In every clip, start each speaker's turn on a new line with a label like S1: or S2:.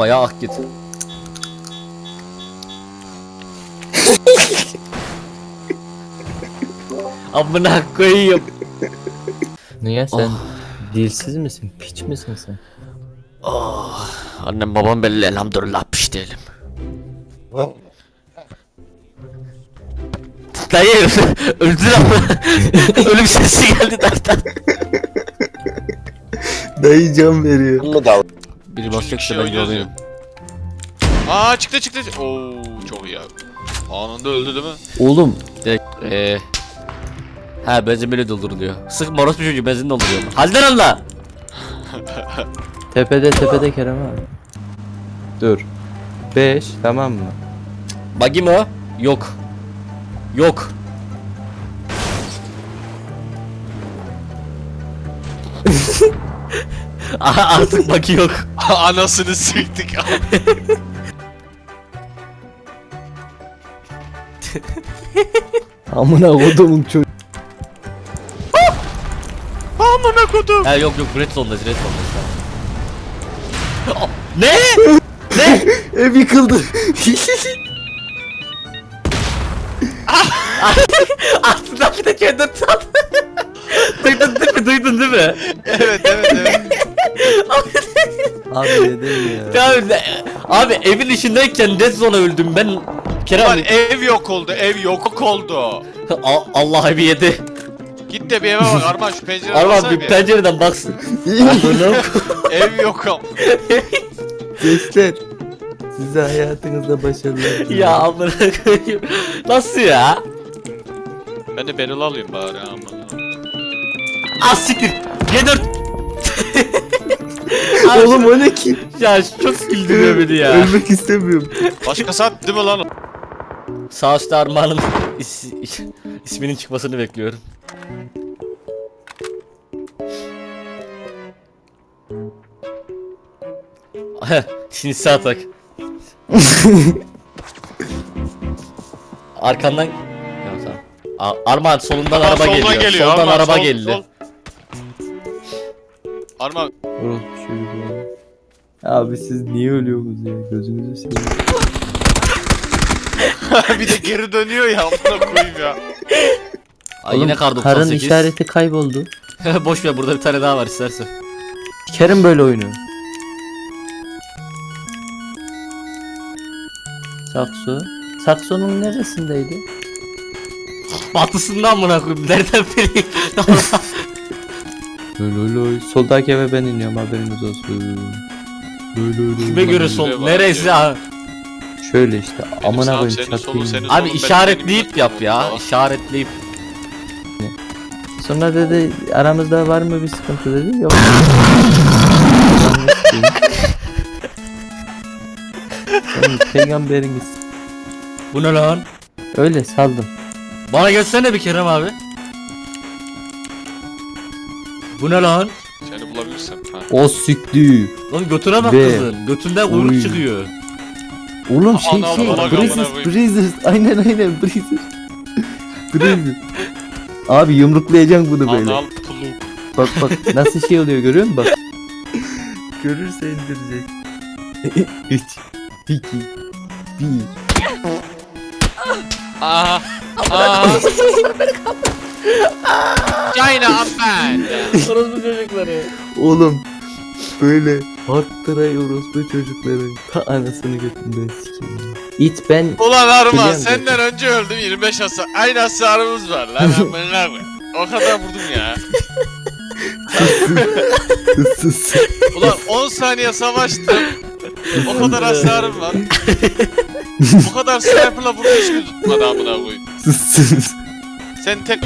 S1: bayağı ak git. Amına koyayım.
S2: Niye sen dilsiz misin? Piç misin sen?
S1: Oh, annem babam belli elhamdülillah piş değilim. Dayı öldü ama ölüm sesi geldi dertten.
S3: Dayı can veriyor.
S1: Biri basacak
S4: kişi
S1: da ben
S4: oynuyoruz
S1: yolayım.
S4: Aa çıktı. Oo çok iyi abi. Anında öldü değil mi?
S2: Oğlum
S1: Direkt ha benzin böyle dolduruluyor. Sık moros bir çocuğu benzin dolduruyor. Halden Allah.
S2: tepede Kerem abi. Dur. 5 tamam mı?
S1: Bagi mi o? Yok. Yok. Aha, artık bagi yok.
S4: Anasını siktik abi.
S2: Amına kodumun çocuğu.
S4: Amına kodum.
S1: Ha yok red zone'dayız red zone'dayız. Oh, ne? Ne?
S3: Ev yıkıldı.
S1: Aslında bir de kendini sat. Duydun değil mi?
S4: Evet.
S2: Abi neden ya?
S1: Abi evin içindeyken red zone'a öldüm ben. Kerem
S4: Lan ev yok oldu.
S1: Allah evi yedi.
S4: Git de bir eve bak Arman şu pencereden
S1: Arman
S4: baksana
S1: bir pencereden baksın.
S4: Ev yok am.
S2: Gençler. Size hayatınızda başarılar dilerim.
S1: Ya amına koyayım. Nasıl ya?
S4: Ben de Beryl alayım bari aman.
S1: Az siktir. G4.
S3: Oğlum o ne ki?
S1: Ya çok güldürüyor beni ya.
S3: Ölmek istemiyorum.
S4: Başka saat değil mi lan o?
S1: Sağ üstte Armağan'ın isminin çıkmasını bekliyorum. Şimdi sağ tak. Arkandan... Ya, tamam. Armağan solundan
S4: Aa,
S1: araba
S4: soldan
S1: geliyor. Soldan
S4: Arman,
S1: araba
S4: sol,
S1: geldi.
S4: sol. Arman
S2: Orospu çocuklar. Abi siz niye ölüyorsunuz ya? Gözünüzü seveyim.
S4: bir de geri dönüyor ya amına koyayım ya.
S1: Ay, yine kar 98.
S2: Karın işareti kayboldu.
S1: Boş ver burada bir tane daha var istersen.
S2: Kerem böyle oyunu. Sakso. Saksonun neresindeydi?
S1: Batısından mı koyayım? Nereden bileyim?
S2: Loloy. Soldaki eve ben iniyorum haberiniz olsun. Loloy.
S1: Kime göre sol?
S4: Var
S1: Neresi
S4: ya.
S1: ha?
S2: Şöyle işte amına
S4: sağım,
S2: koyayım
S4: senin solun,
S2: çatayım.
S4: senin
S1: Abi
S4: solun,
S1: işaretleyip
S4: benim
S1: yap ya.
S4: falan.
S1: İşaretleyip.
S2: Sonra dedi aramızda var mı bir sıkıntı dedi. Yok. Sen peygamberiniz.
S1: Bu ne lan?
S2: Öyle saldım.
S1: Bana gelsene bir Kerem abi. Bu ne lan?
S4: Seni bulabilirsem. Ha.
S2: O sikti.
S1: Lan götüne bak
S2: Ve-
S1: kızın. Götünden kuyruk
S2: Uy.
S1: çıkıyor.
S2: Oğlum
S4: Ana,
S2: şey
S4: bana
S2: Breezes
S4: koyayım.
S2: Breezes aynen Breezes. Breezes. Abi yumruklayacaksın bunu böyle.
S4: Anal puluk.
S2: Bak nasıl şey oluyor görüyor musun bak. Görürse indirecek. 3 2 1
S4: Aha. China I'm
S1: Orospu çocukları.
S2: Oğlum böyle arttırıyoruz bu çocukların ta anasını götünden sikeyim. İt ben
S4: Ulan Arman
S2: Biliyorum
S4: senden önce öldüm 25 hasar. Aynı hasarımız var lan amına koy. O kadar vurdum ya.
S2: sus.
S4: Ulan 10 saniye savaştım. O kadar hasarım var. O kadar sniper'la vurdu hiç mi tutmadı amına koyayım.
S2: Sus.
S4: Sen tek...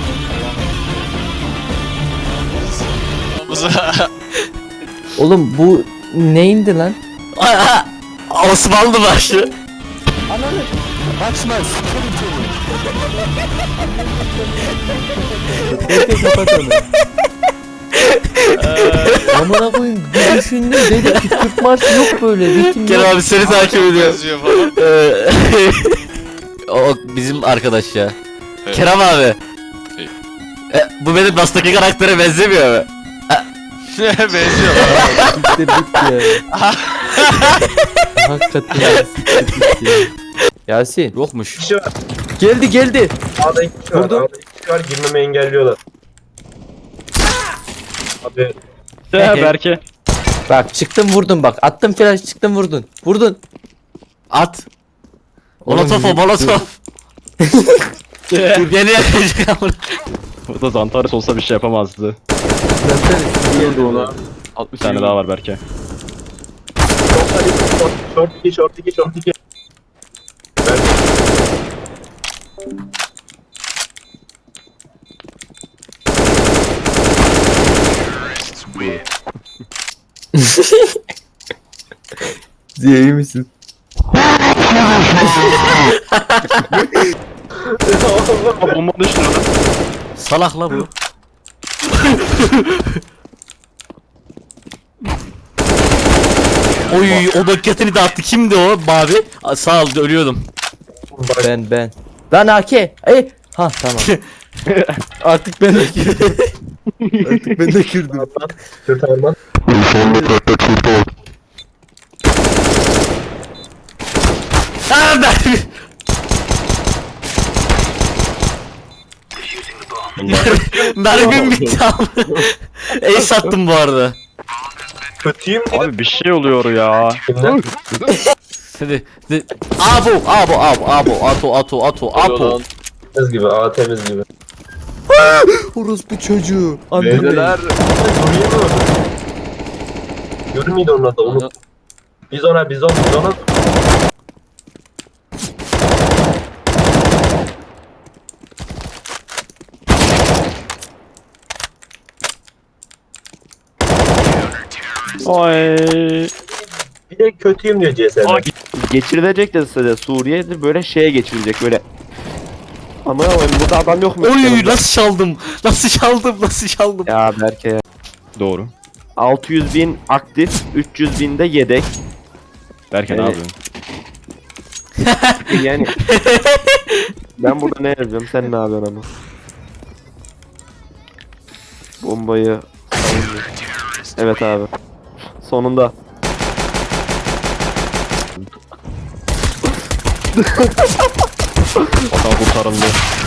S2: Oğlum bu neyindi lan?
S1: Aa, Osmanlı başı.
S2: Kaçma Bekle kapat onu. Amına koyayım bir düşündüm dedim ki Türk marşı yok böyle ritim
S1: Kerem
S2: yok.
S1: abi seni takip ediyor.
S4: Yazıyor falan.
S1: O bizim arkadaş ya.
S4: Evet.
S1: Kerem abi.
S4: Evet.
S1: Bu benim Last'taki karaktere benzemiyor mu?
S4: Benziyor lan.
S2: Bitti ya. Hakikaten siktir ya. Yasin.
S1: Yokmuş.
S3: kişi var.
S2: Geldi.
S3: A'da 2 kişi var.
S2: Vurdum.
S3: A'da 2 kişi var. Girmemi engelliyorlar. Abi
S5: Berke.
S2: Bak çıktım vurdum bak. Attım flash çıktım vurdun. Vurdun.
S1: At.
S2: Oğlum,
S1: Molotof o molotof. Yeni yakacak ama.
S5: Bu da Zantares olsa bir şey yapamazdı.
S2: Geldi ona.
S5: 60 tane daha var Berke.
S3: short 2. Ben
S2: Ziya iyi misin?
S5: Aa, bomba düştü lan.
S1: Salak la bu. Oy o bekletini de attı. Kimdi o mavi? Sağ ol ölüyordum.
S3: bak
S2: Ben. Lan AK. Ha tamam. Artık ben de girdim. Artık ben de girdim.
S3: Kürt Arman.
S1: Aa ben. Mermim bitti abi. Ace sattım bu arada.
S3: Kötüyüm dedim.
S5: Abi bir şey oluyor ya.
S3: Kimden?
S1: Hadi. Apo.
S3: Temiz gibi. A temiz gibi.
S2: Orospu çocuğu.
S3: Beyler. Görüyor mu? Görür müydü onun adı? Onu. Biz ona.
S5: Oy.
S3: Bir de kötüyüm diyor CS'de.
S5: Ay.
S6: Geçirilecek de size Suriye'de böyle şeye geçirilecek böyle. Ama burada adam yok mu?
S1: Oy nasıl çaldım? Nasıl çaldım?
S6: Ya Berke ya.
S5: Doğru.
S6: 600.000 aktif, 300.000 de yedek.
S5: Berke ne
S6: Evet.
S5: yapıyorsun?
S6: Yani ben burada ne yazıyorum sen ne yapıyorsun ama? Bombayı evet abi. Sonunda.
S5: Vatan kurtarıldı.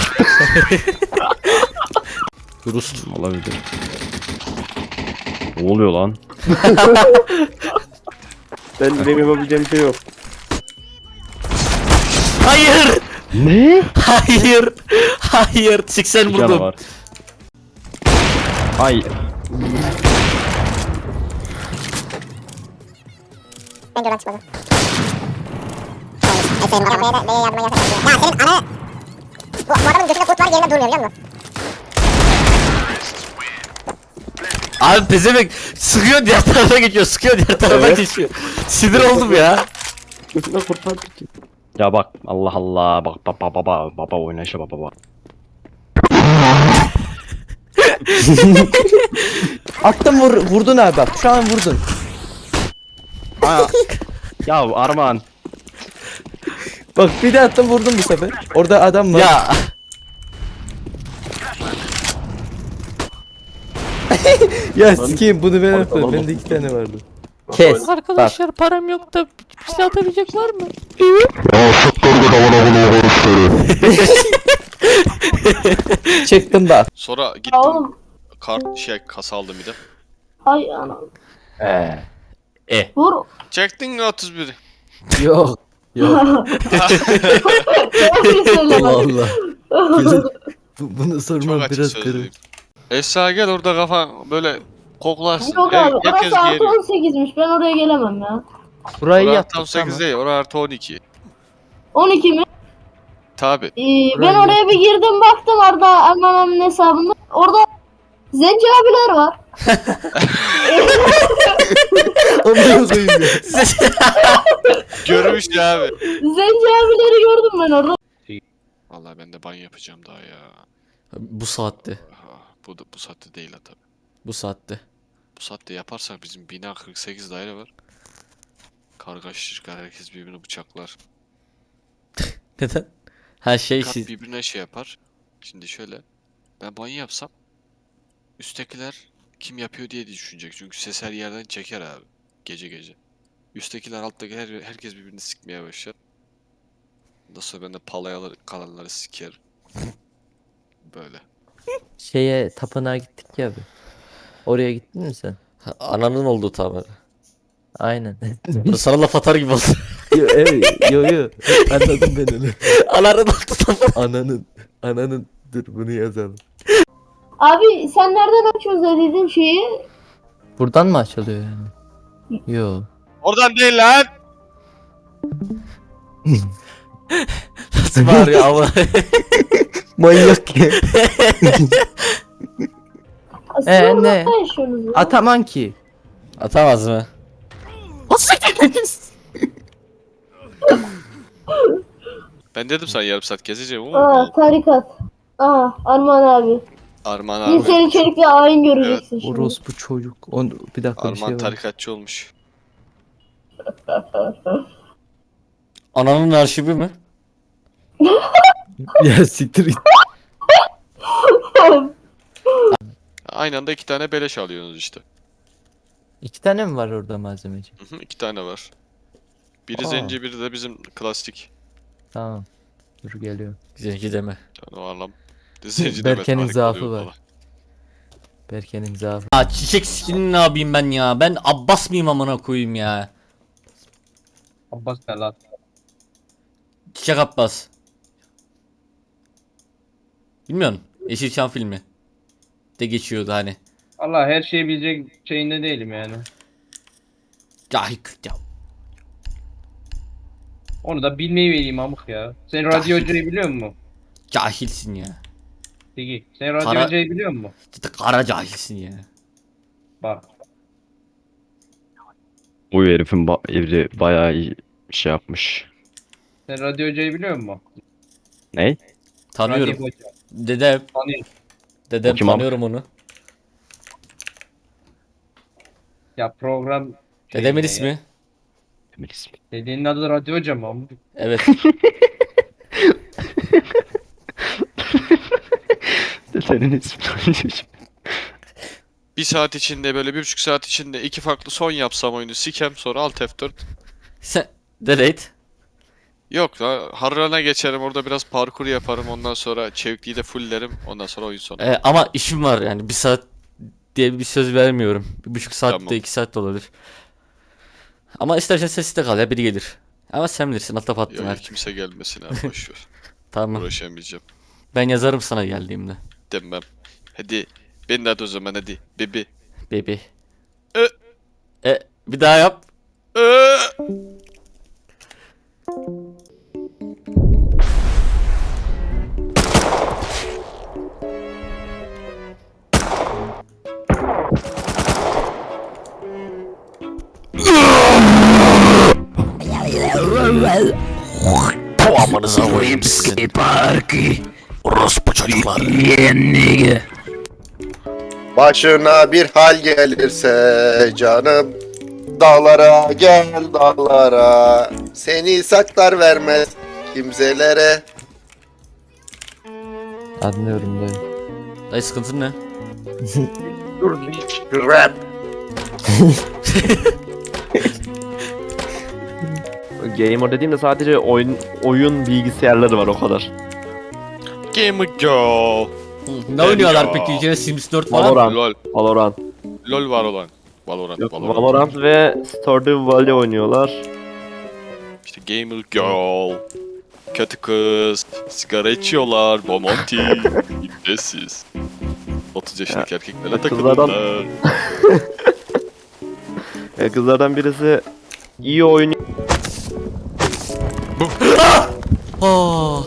S1: Rust.
S5: Olabilir. Ne oluyor lan?
S6: Benim yapabileceğim bir şey yok.
S1: Hayır.
S5: Ne?
S1: Hayır. 80
S5: Bir canı
S1: vurdum.
S5: var. Ay.
S7: Ben de oradan çıkmadım. Efendim arabaya da B'ye yardıma yasak. Ya senin ana... Bu adamın götünde kurt var yerinde durmuyor biliyor musun?
S1: Abi pezevenk sıkıyor diğer tarafa geçiyor. Sıkıyor diğer tarafa geçiyor. Sinir oldum ya.
S6: Götüne kurtardık ki.
S5: Ya bak Allah Allah bak baba oynayışa baba.
S2: Attım vurdun abi bak. Şu an vurdun.
S5: Aa. Ya Arman.
S2: Bak bir de attım vurdum bu sefer. Orada adam var.
S1: Ya.
S2: Ya sikeyim bunu ben attım. Bende 2 tane vardı. Kes.
S1: Arkadaşlar param yok da bir şey atabilecek var mı?
S2: Çıktım da.
S4: Sonra gittim
S8: Oğlum.
S4: kasa aldım bir de.
S8: Ay anam. Vur.
S4: Çektin mi 31'i?
S2: Yok. Yok.
S8: Doğru söyle bak.
S2: Allah. Gelin. Bunu
S4: Çok
S2: sormam
S4: açık
S2: biraz
S4: sözlüyüm.
S2: kırım.
S4: Esra gel orada kafa böyle koklarsın.
S8: Yok abi.
S4: Herkes
S8: Orası artı
S4: geliyor.
S8: 18'miş. Ben oraya gelemem ya.
S2: Burayı
S4: Orası
S2: yaptık
S4: tam 8
S2: tamam.
S4: değil, orası artı 12.
S8: 12 mi?
S4: Tabi.
S8: Ben
S2: Burayı
S8: oraya bir girdim baktım Arda Erman'ın hesabında. Orada Zenci abiler var.
S2: Onu koyayım ya.
S4: Görmüş ya abi.
S8: Zenci abileri gördüm ben orada.
S4: Vallahi ben de banyo yapacağım daha ya.
S1: Bu saatte.
S4: Bu saatte değil ha tabi.
S1: Bu saatte.
S4: Bu saatte yaparsak bizim bina 48 daire var. Kargaşa çıkar, herkes birbirini bıçaklar.
S1: Neden? Her şey
S4: Kat
S1: siz.
S4: birbirine şey yapar. Şimdi şöyle. Ben banyo yapsam üsttekiler kim yapıyor diye düşünecek. Çünkü ses her yerden çeker abi. Gece gece. Üsttekiler alttaki herkes birbirini sikmeye başlar. Ondan sonra ben de palayalar kalanları sikerim. Böyle.
S2: Şeye tapınağa gittik ya abi. Oraya gittin mi sen?
S1: Ananın olduğu tabi.
S2: Aynen.
S1: Sana laf atar gibi oldu.
S2: Yo, evet, yo. Anladım ben onu.
S1: Ananın olduğu tabi.
S2: Ananın. Dur bunu yazalım.
S8: Abi sen nereden açıyorsun dediğin şeyi?
S2: Buradan mı açılıyor yani? Yo.
S4: Oradan değil lan!
S1: Nasıl bağırıyor ama.
S2: Manyak ya.
S8: Siz
S2: ne?
S8: orada yaşıyorsunuz ya.
S2: Ataman ki.
S1: Atamaz mı?
S4: Ben dedim sana yarım saat gezeceğim ama
S8: Aa tarikat. Aa Arman abi.
S4: Arman
S8: Bir
S4: abi.
S8: seni içerikle ayin göreceksin şimdi.
S2: Orospu çocuk. Bir dakika bir şey
S4: Arman
S2: var.
S4: tarikatçı olmuş.
S1: Ananın arşivi mi?
S2: Ya siktir git.
S4: Aynı anda 2 tane beleş alıyorsunuz işte.
S2: 2 tane mi var orada malzemeci?
S4: 2 tane var. Biri
S2: Aa.
S4: zenci, biri de bizim klasik.
S2: Tamam. Dur geliyor.
S1: Zenci deme.
S4: Yani o anlam. Zenci
S2: Berke'nin
S4: demek,
S2: zaafı
S4: oluyor
S2: var.
S4: falan.
S2: Berke'nin zaafı.
S1: Ya çiçek skinini ne yapayım ben ya? Ben Abbas mıyım amına koyayım ya?
S9: Abbas ne lan?
S1: Çiçek Abbas. Bilmiyorsun. Yeşilçam filmi. De geçiyordu hani.
S9: Allah her şeyi bilecek şeyinde değilim yani.
S1: Cahil ya.
S9: Onu da bilmeyi vereyim amık ya. Sen radyo hocayı biliyor musun?
S1: Cahilsin ya.
S9: Peki. Sen radyo
S1: Kara-
S9: hocayı biliyor musun?
S1: Cidden kara cahilsin ya.
S9: Bak.
S5: Bu herifin evri bayağı iyi şey yapmış.
S9: Sen radyo hocayı biliyor musun?
S5: Ne?
S1: Tanıyorum.
S9: Radyo hoca.
S1: Dedem.
S9: Tanıyorum.
S1: Dedem
S5: O kim abi?
S1: tanıyorum onu.
S9: Ya program...
S1: Dedemin
S9: şeyinde
S1: ismi.
S9: ya.
S5: Kimin ismi?
S9: Dediğinin adı da radyo hoca mı amık?
S1: Evet.
S5: Senin ismin.
S4: 1 saat içinde böyle 1,5 saat içinde 2 farklı son yapsam oyunu sikem sonra alt F4.
S1: Sen delete.
S4: Yok la Harran'a geçerim orada biraz parkur yaparım ondan sonra çevikliği de fulllerim ondan sonra oyun sonu.
S1: Ama işim var yani 1 saat diye bir söz vermiyorum. 1,5 saatte
S4: Tamam.
S1: 2 saat de olabilir. Ama istersen sessiz de kal ya biri gelir. Ama sen bilirsin atla pattın
S4: Yok
S1: artık.
S4: kimse gelmesin abi boşver.
S1: Tamam.
S4: Uğraşamayacağım.
S1: Ben yazarım sana geldiğimde.
S4: Demem. Hadi. Ben de hadi o zaman hadi. Bebi.
S1: Baby.
S4: Ö.
S1: Bir daha yap. Amanıza koyayım sizin. Orospu çocuklar.
S10: Başına bir hal gelirse canım, dağlara gel dağlara, seni saklar vermez kimselere.
S2: Anlıyorum dayı.
S1: Dayı sıkıntın ne?
S10: Rap.
S6: Gamer dediğimde sadece oyun bilgisayarları var o kadar.
S4: Gamer Girl.
S1: Ne oynuyorlar
S4: Ya.
S1: peki? İçine Sims 4 falan.
S6: Valorant.
S4: LOL.
S6: Valorant.
S4: LOL var olan. Valorant.
S6: Yok,
S4: Valorant.
S6: Valorant ve Stardew Valley oynuyorlar.
S4: İşte Gamer Girl. Kötü kız. Sigara içiyorlar. Bomonti. İbnesiz. 30 yaşındaki erkeklerle
S6: kızlardan-
S4: takılırlar.
S6: Kızlardan birisi iyi oynuyor.
S1: Aa.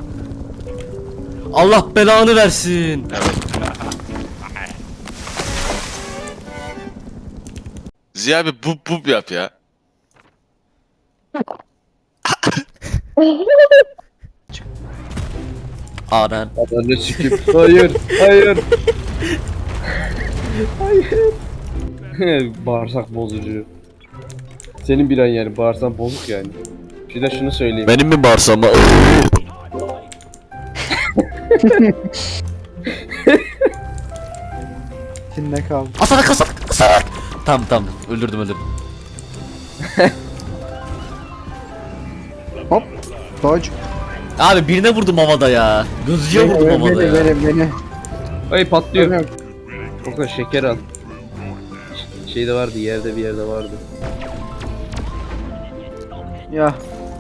S1: Allah belanı versin.
S4: Ziya abi bub yap ya.
S1: Anan.
S9: Adını sikip. Hayır. Hayır. Hayır. Bağırsak bozucu. Senin bir an yani bağırsak bozuk yani. Bir de şunu söyleyeyim.
S1: Benim mi bağırsam?
S2: İçinde kaldı.
S1: Asarak. Tamam öldürdüm.
S2: Hop. Dodge.
S1: Abi birine vurdum havada ya. Gözcüye vurdum havada ya.
S2: Beni.
S9: Ay patlıyor. O kadar şeker al. Şeyde vardı, yerde bir yerde vardı.
S2: Ya.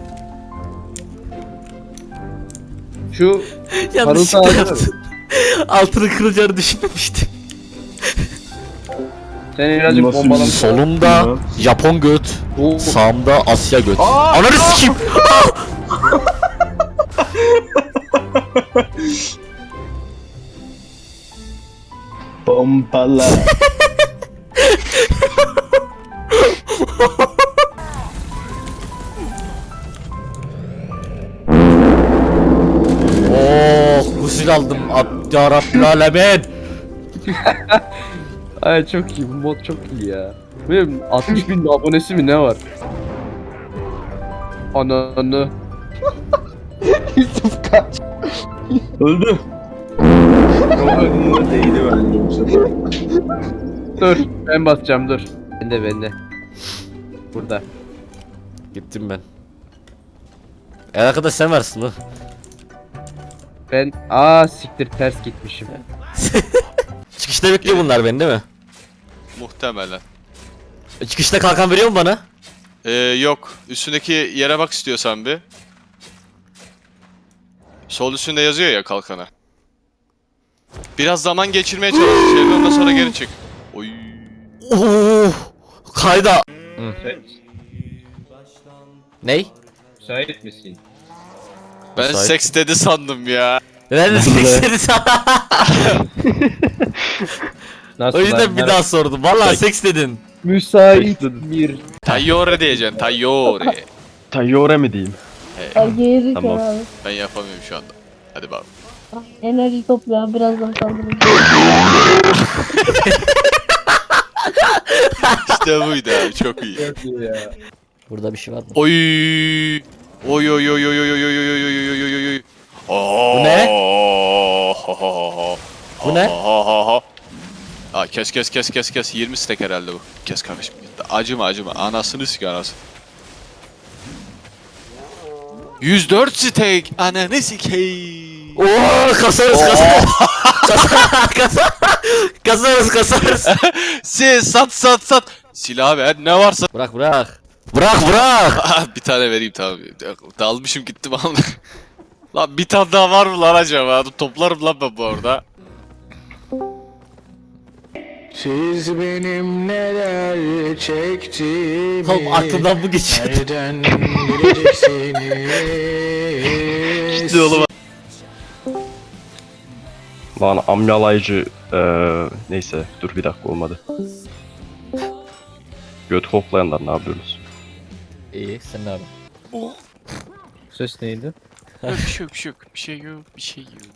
S9: Şu
S1: Yanlışlıkla
S9: Harun
S1: yaptım. Altını kıracağını düşünmemiştim.
S9: sen birazcık
S2: Nasıl
S9: bombalamış.
S1: Solumda Japon göt,
S9: Bu
S1: sağımda Asya göt. Ananı sikeyim.
S2: Pompala.
S1: Oh, gusül aldım. Ya Rabbil Alemin.
S9: ay çok iyi, bu mod çok iyi ya. Benim 60 bin abonesi mi ne var? Ananı.
S2: Yusuf kaç. Öldü. Değdi bence bu sefer.
S9: Dur, ben basacağım dur. Bende. Burada.
S1: Gittim ben. Arkadaş sen varsın lan.
S9: Ben siktir ters gitmişim.
S1: Çıkışta bekliyor bunlar beni değil mi?
S4: Muhtemelen.
S1: Çıkışta kalkan veriyor mu bana?
S4: Yok. Üstündeki yere bak istiyorsan bir. Sol üstünde yazıyor ya kalkana. Biraz zaman geçirmeye çalış şeyle, ondan sonra geri çık. Oy.
S1: Oh, kayda. Ney?
S9: Müsait misin?
S4: Ben
S1: Müsait.
S4: seks dedi sandım ya.
S1: Ben de seksleri sana.
S9: Nasıl
S1: O yüzden
S9: lan?
S1: bir daha sordum. Vallahi seks dedin.
S9: Müsait bir.
S4: Tayyore diyeceksin, tayyore.
S5: Tayyore mi diyeyim?
S8: Geri
S5: Tamam.
S8: abi.
S4: Ben yapamıyorum şu anda. Hadi bak.
S8: Enerji topla birazdan kaldırırım.
S4: İşte buydu abi, çok iyi.
S9: Çok iyi ya.
S1: Burada bir şey var mı?
S4: Oy. Oy oy oy oy oy oy oy oy oy oy oy oy oy.
S1: Bu ne? Bu ne?
S4: Aa, kes 20 stack herhalde bu. Kes kardeşim. Acıma anasını sik anası. 104 stack ananı sikeyim.
S1: Oo, kasarız. Kasarız.
S4: Siz sat. Silah ver ne varsa.
S1: Bırak.
S4: Bir tane vereyim tamam. Dalmışım gittim ama. Lan bir tane daha var mı lan acaba? Toplarım lan ben bu arada.
S11: Siz benim neler çektiğimi
S1: Oğlum aklımdan bu geçiyor.
S11: nereden bileceksiniz?
S4: İşte oğlum.
S5: Lan amyalayıcı neyse dur bir dakika olmadı. Göt koklayanlar ne yapıyorsunuz?
S1: İyi sen ne yapıyorsun?
S9: Ses neydi?
S4: Bir şey yok.